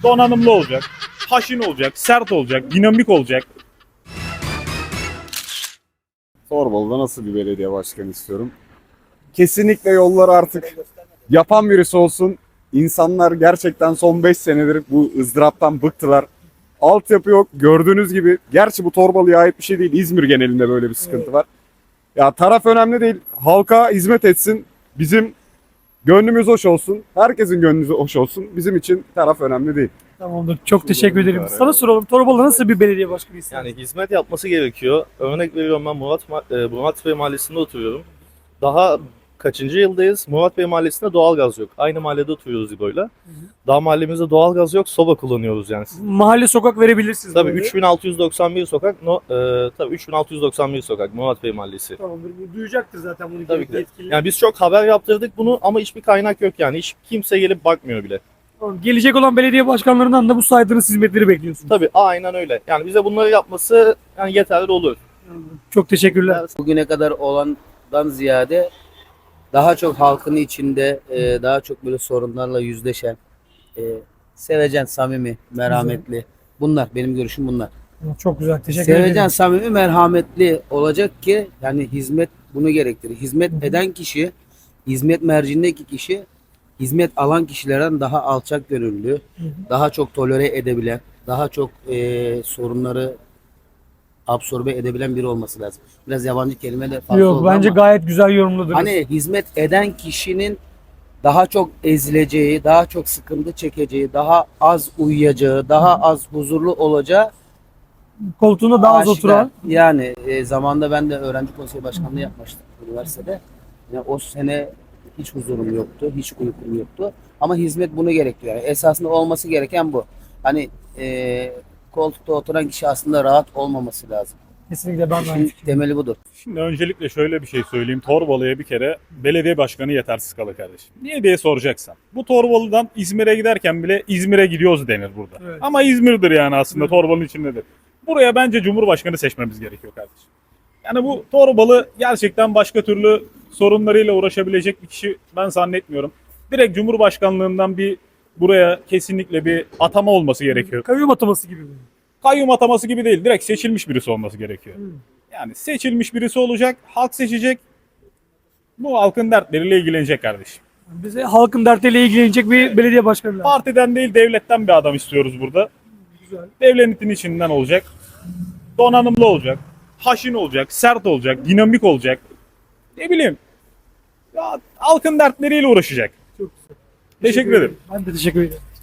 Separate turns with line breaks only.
Donanımlı olacak, haşin olacak, sert olacak, dinamik olacak.
Torbalı'da nasıl bir belediye başkanı istiyorum? Kesinlikle yolları artık yapan birisi olsun. İnsanlar gerçekten son 5 senedir bu ızdıraptan bıktılar. Altyapı yok. Gördüğünüz gibi. Gerçi bu Torbalı'ya ait bir şey değil. İzmir genelinde böyle bir sıkıntı var. Ya taraf önemli değil. Halka hizmet etsin. Bizim gönlümüz hoş olsun. Herkesin gönlü hoş olsun. Bizim için taraf önemli değil.
Tamamdır. Çok teşekkür
bu
ederim.
kadar,
Sana
evet.
soralım. Torbalı nasıl bir belediye başkanı ister?
Yani hizmet yapması gerekiyor. Örnek veriyorum, ben Murat Bey Mahallesi'nde oturuyorum. Daha kaçıncı yıldayız? Murat Bey Mahallesi'nde doğalgaz yok. Aynı mahallede oturuyoruz İbo'yla. Daha mahallemizde doğalgaz yok, soba kullanıyoruz yani.
Mahalle sokak verebilirsiniz.
Tabii
böyle.
3691 sokak, tabii 3691 sokak Murat Bey Mahallesi.
Tamamdır. Bu duyacaktır zaten bunu.
Tabii ki de.
yetkililer.
Yani biz çok haber yaptırdık bunu ama hiçbir kaynak yok yani. Hiç kimse gelip bakmıyor bile.
Tamam. Gelecek olan belediye başkanlarından da bu saydığınız hizmetleri bekliyorsunuz.
Tabii aynen öyle. Yani bize bunları yapması yani yeterli olur.
Çok teşekkürler.
Bugüne kadar olandan ziyade daha çok halkın içinde daha çok böyle sorunlarla yüzleşen, sevecen, samimi, merhametli. Bunlar benim görüşüm bunlar.
Çok güzel. Teşekkür
Sevecen,
ederim.
samimi, merhametli olacak ki yani hizmet bunu gerektirir. Hizmet eden kişi, hizmet merciindeki kişi hizmet alan kişilerden daha alçak gönüllü, daha çok tolere edebilen, daha çok sorunları absorbe edebilen biri olması lazım. Biraz yabancı kelime de fazla
Yok
oldu
bence
ama
gayet güzel yorumladınız.
hani hizmet eden kişinin daha çok ezileceği, daha çok sıkıntı çekeceği, daha az uyuyacağı, daha az huzurlu olacağı
Koltuğunda daha az
aşikar.
oturan.
Yani zamanında ben de öğrenci konseyi başkanlığı yapmıştım üniversitede. Yani o sene hiç huzurum yoktu, hiç uykum yoktu. Ama hizmet bunu gerektiriyor. Yani esasında olması gereken bu. Hani koltukta oturan kişi aslında rahat olmaması lazım.
Kesinlikle ben de aynı
İşin
fikirdeyim.
temeli budur.
Şimdi öncelikle şöyle bir şey söyleyeyim. Torbalı'ya bir kere belediye başkanı yetersiz kalır kardeşim. Niye diye soracaksan. Bu Torbalı'dan İzmir'e giderken bile İzmir'e gidiyoruz denir burada.
Evet.
Ama İzmir'dir yani aslında,
Evet.
Torbalı'nın içindedir. Buraya bence Cumhurbaşkanı seçmemiz gerekiyor kardeşim. Yani bu Torbalı gerçekten başka türlü sorunlarıyla uğraşabilecek bir kişi ben zannetmiyorum. Direkt Cumhurbaşkanlığından buraya kesinlikle bir atama olması gerekiyor.
Kayyum ataması gibi mi?
Kayyum ataması gibi değil, direkt seçilmiş birisi olması gerekiyor. Yani seçilmiş birisi olacak, halk seçecek, bu halkın dertleriyle ilgilenecek kardeşim.
Bize halkın dertleriyle ilgilenecek bir belediye başkanı lazım.
Partiden değil, devletten bir adam istiyoruz burada.
Güzel.
Devletin içinden olacak, donanımlı olacak, haşin olacak, sert olacak, dinamik olacak. Ne bileyim, ya, halkın dertleriyle uğraşacak.
Çok güzel.
Teşekkür ederim.
Ben de teşekkür ederim.